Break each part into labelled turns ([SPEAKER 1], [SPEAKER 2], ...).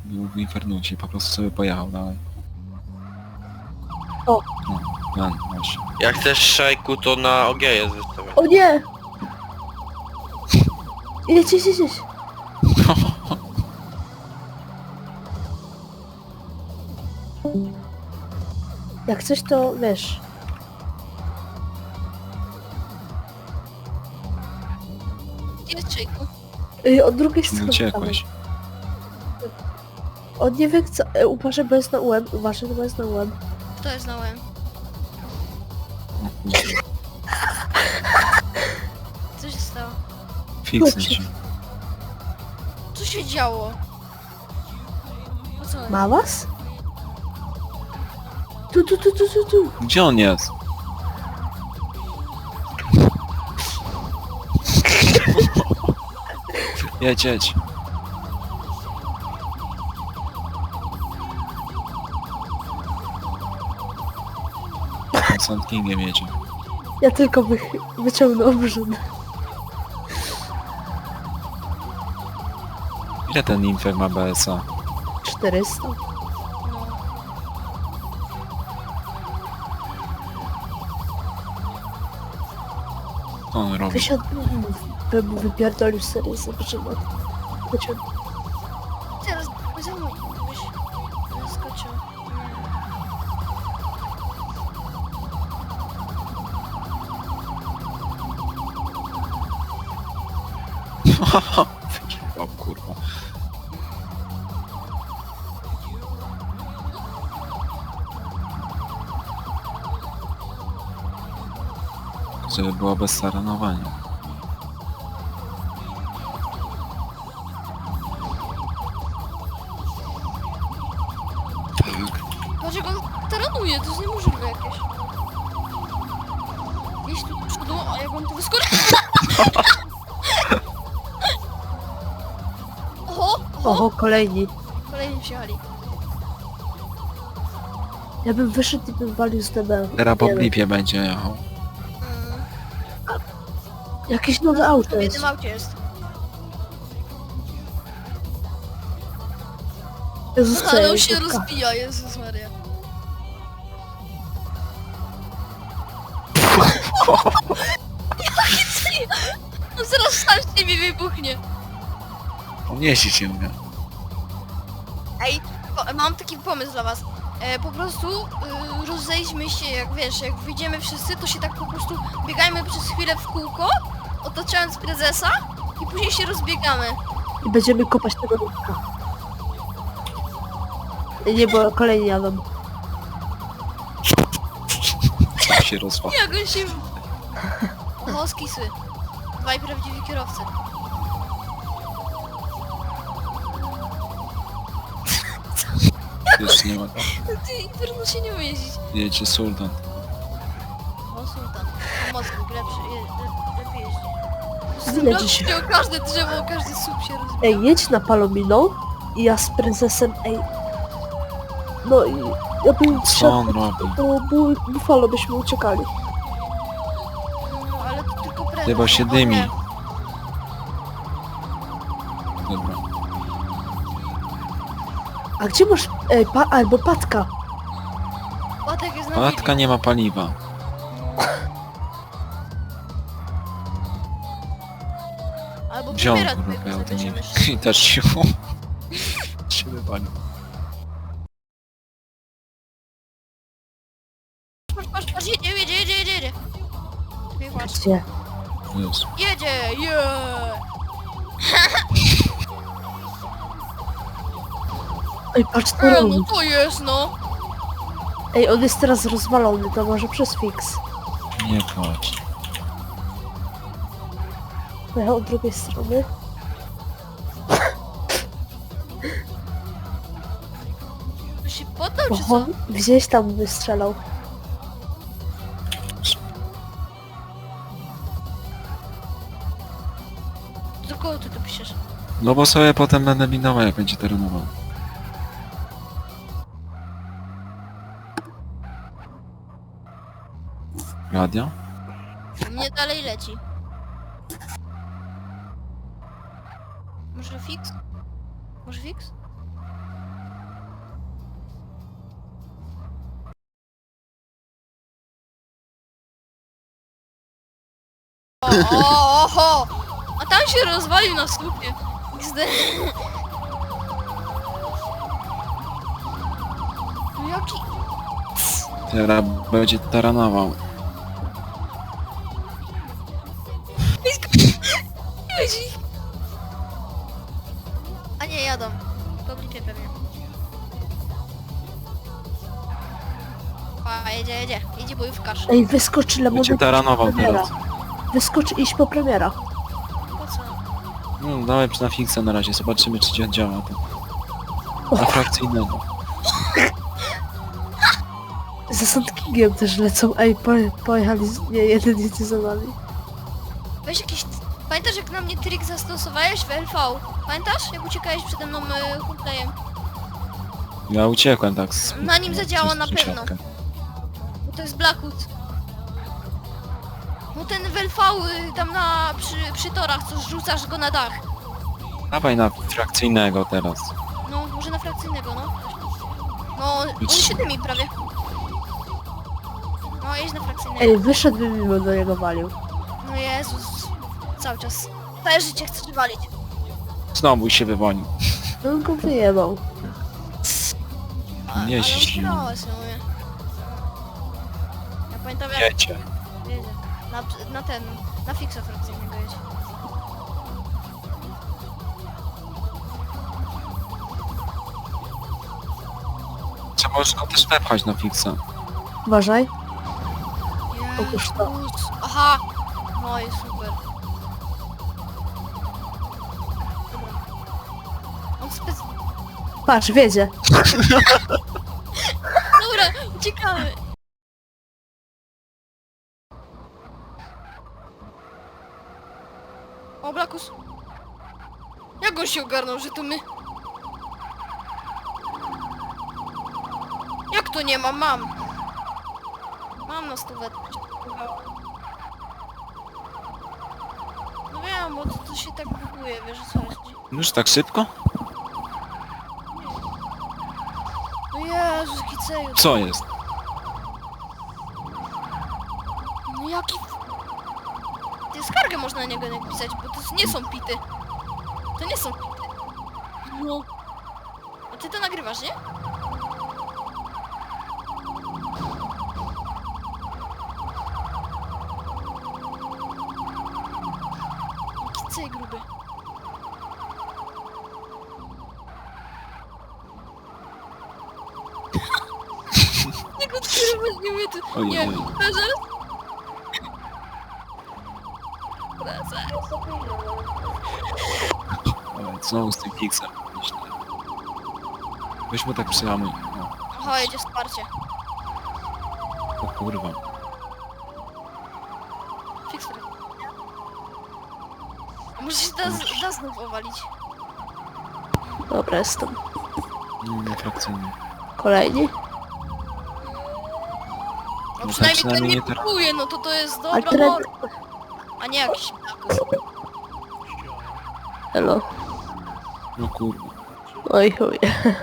[SPEAKER 1] był w Infernucie, po prostu sobie pojechał dalej.
[SPEAKER 2] O.
[SPEAKER 1] No, ten właśnie.
[SPEAKER 3] Jak chcesz szajku, to na OG jest wystawione.
[SPEAKER 2] O nie! Jedź. Jak coś to wiesz.
[SPEAKER 4] Gdzie jest Czejku?
[SPEAKER 2] Od drugiej strony.
[SPEAKER 1] Uciekłeś.
[SPEAKER 2] On nie wie co. Uważaj, bo jest na UM. Uważaj, bo jest na UM.
[SPEAKER 4] Kto jest na łeb?
[SPEAKER 1] O kurde.
[SPEAKER 4] Co się stało?
[SPEAKER 1] Fiksy ci.
[SPEAKER 4] Co się działo? O co?
[SPEAKER 2] Ma was? Tu.
[SPEAKER 1] Gdzie on jest? Jedź. On Sand Kingiem jedzie.
[SPEAKER 2] Ja tylko wyciągnę obrzyd.
[SPEAKER 1] Ile ten Infer ma BSA?
[SPEAKER 2] 400.
[SPEAKER 4] No.
[SPEAKER 1] Co on robi?
[SPEAKER 2] Wysiadł. Bym mu wypierdolił serię, zobaczymy. Wyciągnę.
[SPEAKER 4] Teraz za mój. Byś skoczył.
[SPEAKER 1] O kurwa. Żeby było bez saranowania.
[SPEAKER 4] Patrz jak on taranuje, to jest niemożliwe jakieś. Jeźdź tu do przodu, a jak on tu wyskoczy... Oho!
[SPEAKER 2] Oho, kolejni.
[SPEAKER 4] Kolejni przyjechali.
[SPEAKER 2] Ja bym wyszedł i bym walił z DB.
[SPEAKER 1] Teraz po blipie będzie jechał.
[SPEAKER 2] Jakieś nowe auto
[SPEAKER 4] To w
[SPEAKER 2] jest.
[SPEAKER 4] jednym aucie jest.
[SPEAKER 2] Jezus, co
[SPEAKER 4] Ale
[SPEAKER 2] ja
[SPEAKER 4] on się
[SPEAKER 2] jezówka.
[SPEAKER 4] rozbija, Jezus Maria. Jaki ty? On zaraz sam z ciebie wybuchnie.
[SPEAKER 1] On jeździć nie umie.
[SPEAKER 4] Ej, mam taki pomysł dla was. Po prostu rozejdźmy się, jak wiesz, jak wyjdziemy wszyscy, to się tak po prostu biegajmy przez chwilę w kółko, otaczając prezesa i później się rozbiegamy.
[SPEAKER 2] I będziemy kopać tego nurka. Nie, bo kolejni jadą.
[SPEAKER 1] Się rozwala.
[SPEAKER 4] Jak on się... Oho, skisły. Dwaj prawdziwi kierowcy.
[SPEAKER 1] Już nie ma tam.
[SPEAKER 4] Ty, Inferno się nie umie jeździć.
[SPEAKER 1] Jedzie Sultan.
[SPEAKER 4] O, Sultan. Mocny, lepiej jeździ.
[SPEAKER 2] Zjedzi się.
[SPEAKER 4] Rozbił każde drzewo, każdy słup się rozbił.
[SPEAKER 2] Ej, jedź na Palominą i ja z prezesem, ej. No i ja bym
[SPEAKER 1] Co on robi?
[SPEAKER 2] to Buffalo byśmy uciekali.
[SPEAKER 4] No, ale to tylko prezes.
[SPEAKER 1] Chyba się
[SPEAKER 4] O
[SPEAKER 1] dymi.
[SPEAKER 4] nie.
[SPEAKER 1] Dobra.
[SPEAKER 2] A gdzie masz, ej, albo Patka?
[SPEAKER 4] Łatek jest na
[SPEAKER 1] Matka nie ma paliwa.
[SPEAKER 4] Albo
[SPEAKER 1] Wziął
[SPEAKER 4] premiera
[SPEAKER 1] kurwa,
[SPEAKER 4] twojego
[SPEAKER 1] ja to nie
[SPEAKER 4] zabierzemy.
[SPEAKER 1] I też się się wypalił.
[SPEAKER 4] Patrz, jedzie. Czekaj, patrz.
[SPEAKER 2] Gdzie?
[SPEAKER 1] Jezu.
[SPEAKER 4] Jedzie,
[SPEAKER 2] Ej, patrz co robi.
[SPEAKER 4] no to jest, no.
[SPEAKER 2] Ej, on jest teraz rozwalony, to może przez fix.
[SPEAKER 1] Nie płacz.
[SPEAKER 2] Pojechał od drugiej strony.
[SPEAKER 4] To się poddał, czy co?
[SPEAKER 2] Oho, gdzieś tam wystrzelał.
[SPEAKER 4] Do kogo ty to piszesz?
[SPEAKER 1] No bo sobie potem będę minował, jak będzie terenował. Radio?
[SPEAKER 4] Mnie dalej leci. Może fix? Może fix? Oho! A tam się rozwalił na słupie. XD. No jaki...
[SPEAKER 1] Teraz będzie taranował.
[SPEAKER 4] Ludzi. A nie, jadą. Pobliżej pewnie. A, jedzie. Jedzie bojówkarz.
[SPEAKER 2] Ej, wyskoczy
[SPEAKER 1] Będzie
[SPEAKER 2] Lemonek
[SPEAKER 1] taranował
[SPEAKER 2] premiera.
[SPEAKER 1] teraz.
[SPEAKER 2] Wyskoczy iść po premiera.
[SPEAKER 4] Po co?
[SPEAKER 1] No dawaj na fixa na razie, zobaczymy czy działa to. Na frakcyjnego.
[SPEAKER 2] Za Sand Kingiem też lecą. Ej, pojechali. Nie, jeden jedzie za nami.
[SPEAKER 4] Weź jakiś... Pamiętasz jak na mnie trik zastosowałeś w LV? Pamiętasz? Jak uciekałeś przede mną humplejem?
[SPEAKER 1] Ja uciekłem tak z...
[SPEAKER 4] Na nim zadziała
[SPEAKER 1] przez
[SPEAKER 4] na pewno.
[SPEAKER 1] sąsiadkę.
[SPEAKER 4] Bo to jest Blackwood. No ten w LV tam przy torach, co rzucasz go na dach.
[SPEAKER 1] Dawaj na frakcyjnego teraz.
[SPEAKER 4] No, może na frakcyjnego, no. No, on się dymi prawie. No, jedź na frakcyjnego.
[SPEAKER 2] Ej, wyszedłby mimo do niego walił.
[SPEAKER 4] No Jezus. Cały czas. Całe życie chcesz walić.
[SPEAKER 1] Znowu się wywonił.
[SPEAKER 2] No on go wyjebał.
[SPEAKER 1] Nie
[SPEAKER 4] ale
[SPEAKER 1] ściśnij.
[SPEAKER 4] ugrałeś, no mówię. Ja pamiętam jak...
[SPEAKER 1] Wiecie.
[SPEAKER 4] Jedzie. Na fixa frakcyjnego jedzie.
[SPEAKER 1] Trzeba już go też wepchać na fixa.
[SPEAKER 2] Uważaj. Otóż to.
[SPEAKER 4] Jezus. Aha! No i super. Dobra. On
[SPEAKER 2] Patrz, wiedzie.
[SPEAKER 4] Dobra, uciekamy. O, Blakus. Jak on się ogarnął, że to my? Jak to nie mam? Mam. Mam na stówę. No wiem, bo to się tak buguje, wiesz o co chodzi.
[SPEAKER 1] Już tak szybko?
[SPEAKER 4] No Jezus, kiceju.
[SPEAKER 1] Co jest?
[SPEAKER 4] No jaki... Ty skargę można na niego napisać, bo to nie są pity. To nie są pity. No. A ty to nagrywasz, nie? Jaki cej gruby. Jak odkrywać nie mnie tu...
[SPEAKER 1] Ojej.
[SPEAKER 4] Nie, zaraz. Zaraz.
[SPEAKER 1] Ale znowu z tym fixem. Weź mu tak przyjamuj.
[SPEAKER 4] Aha, jedzie wsparcie.
[SPEAKER 1] O kurwa.
[SPEAKER 4] Fixer. A może się da znów owalić?
[SPEAKER 2] Dobra, jestem.
[SPEAKER 1] Na frakcyjny.
[SPEAKER 2] Kolejni.
[SPEAKER 4] No
[SPEAKER 1] No
[SPEAKER 4] przynajmniej
[SPEAKER 1] tak,
[SPEAKER 4] ten
[SPEAKER 1] przynajmniej
[SPEAKER 4] nie
[SPEAKER 1] nie teraz.
[SPEAKER 4] kupuje, no to jest
[SPEAKER 2] Ale
[SPEAKER 4] dobra
[SPEAKER 2] teraz...
[SPEAKER 4] mor... A nie jakiś Blakus.
[SPEAKER 2] Elo.
[SPEAKER 1] No kurwa.
[SPEAKER 2] Oj chuj.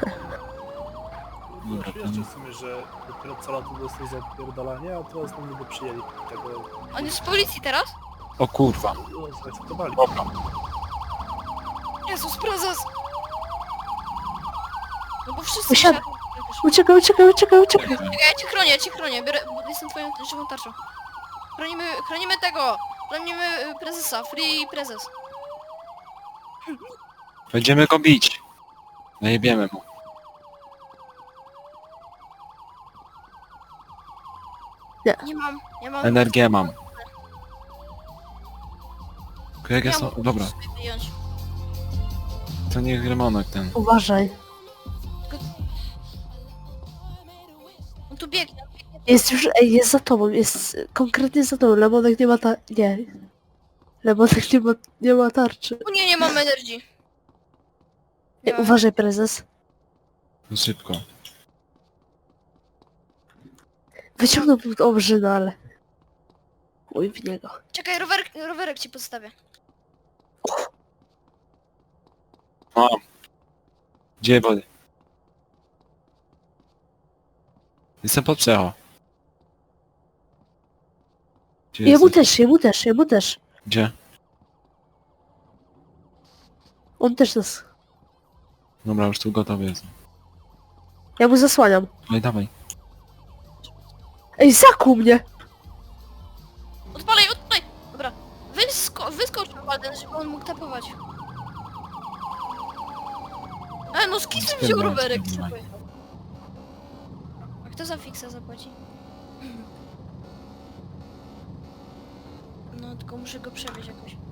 [SPEAKER 1] Dobra,
[SPEAKER 5] Wiesz, w sumie, że dopiero co lat dostał za opierdalanie, a teraz nam nie przyjęli tego,
[SPEAKER 4] On jest z policji teraz?
[SPEAKER 1] O kurwa.
[SPEAKER 5] zaakceptowali.
[SPEAKER 1] Dobra.
[SPEAKER 4] Jezus, prezes! No bo wszyscy
[SPEAKER 2] Usiadł.
[SPEAKER 4] się...
[SPEAKER 2] Uciekaj, uciekaj, uciekaj, uciekaj.
[SPEAKER 4] Czekaj, ja cię chronię, biorę, bo jestem twoją żywą tarczą. Chronimy tego! Chronimy prezesa, free prezes.
[SPEAKER 1] Będziemy go bić. Najebiemy mu.
[SPEAKER 4] Nie mam...
[SPEAKER 1] Energię mam. Jak
[SPEAKER 4] Ja
[SPEAKER 1] jest...
[SPEAKER 4] mogę
[SPEAKER 1] Dobra,
[SPEAKER 4] sobie wyjąć.
[SPEAKER 1] to niech Remonek ten.
[SPEAKER 2] Uważaj.
[SPEAKER 4] On tu biegnie.
[SPEAKER 2] Jest już, ej, jest za tobą, jest konkretnie za tobą. Lemonek nie ma nie. Lemonek nie ma tarczy.
[SPEAKER 4] O nie, nie mam energii.
[SPEAKER 2] Ej, uważaj, prezes.
[SPEAKER 1] No szybko.
[SPEAKER 2] Wyciągnął obrzynę, ale... Chuj w niego.
[SPEAKER 4] Czekaj, rowerek ci podstawię.
[SPEAKER 1] Mam. Gdzie wody? Jestem pod przecho. Gdzie
[SPEAKER 2] Jemu
[SPEAKER 1] jesteś?
[SPEAKER 2] też, jemu też, jemu też.
[SPEAKER 1] Gdzie?
[SPEAKER 2] On też nas...
[SPEAKER 1] Dobra, już tu gotowy jest.
[SPEAKER 2] Ja mu zasłaniam.
[SPEAKER 1] Dawaj, dawaj.
[SPEAKER 2] Ej, zakuł mnie!
[SPEAKER 4] Odpalaj, odpalaj! Dobra, wyskocz na Walden, żeby on mógł tapować. No z kisem wziął
[SPEAKER 1] Spierdalaj,
[SPEAKER 4] rowerek, co
[SPEAKER 1] spierdalaj.
[SPEAKER 4] pojechał. A kto za fiksa zapłaci? No tylko muszę go przewieźć jakoś.